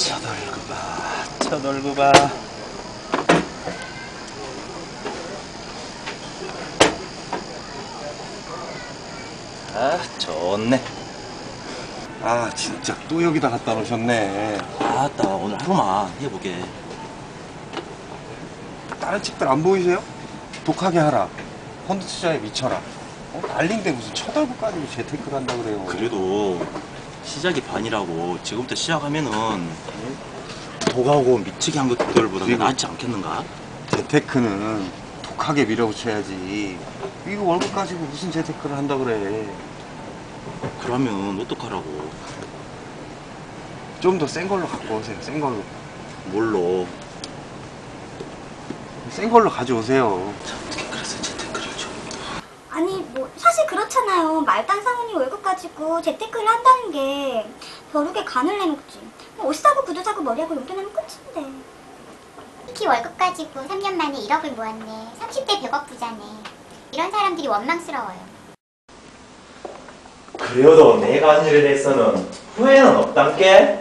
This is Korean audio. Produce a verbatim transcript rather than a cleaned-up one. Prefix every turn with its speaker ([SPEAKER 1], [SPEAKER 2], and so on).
[SPEAKER 1] 첫 월급아, 첫 월급아. 아, 좋네.
[SPEAKER 2] 아 진짜 또 여기다 갖다 놓으셨네.
[SPEAKER 1] 아따, 오늘 하루만 해보게.
[SPEAKER 2] 다른 책들 안 보이세요? 독하게 하라, 펀드 투자에 미쳐라, 어? 난린데 무슨 첫 월급 가지고 재테크를 한다 그래요.
[SPEAKER 1] 그래도 시작이 반이라고 지금부터 시작하면은 독하고 미치게 한 것들보다
[SPEAKER 2] 그리고-
[SPEAKER 1] 낫지 않겠는가?
[SPEAKER 2] 재테크는 독하게 밀어붙여야지. 이거 월급 가지고 무슨 재테크를 한다 그래.
[SPEAKER 1] 그러면 어떡하라고?
[SPEAKER 2] 좀 더 센 걸로 갖고 오세요. 센 걸로.
[SPEAKER 1] 뭘로?
[SPEAKER 2] 센 걸로 가져오세요.
[SPEAKER 1] 어떻게 그래서 재테크를 좀.
[SPEAKER 3] 아니 뭐 사실 그렇잖아요. 말단 상훈이 월급 가지고 재테크를 한다는 게 벼룩에 간을 내놓지. 뭐 옷 사고 구두 사고 머리하고 용돈하면 끝인데.
[SPEAKER 4] 특히 월급 가지고 삼 년 만에 일억을 모았네. 삼십 대 백억 부자네. 이런 사람들이 원망스러워요.
[SPEAKER 1] 그래도 내가 한 일에 대해서는 후회는 없단께?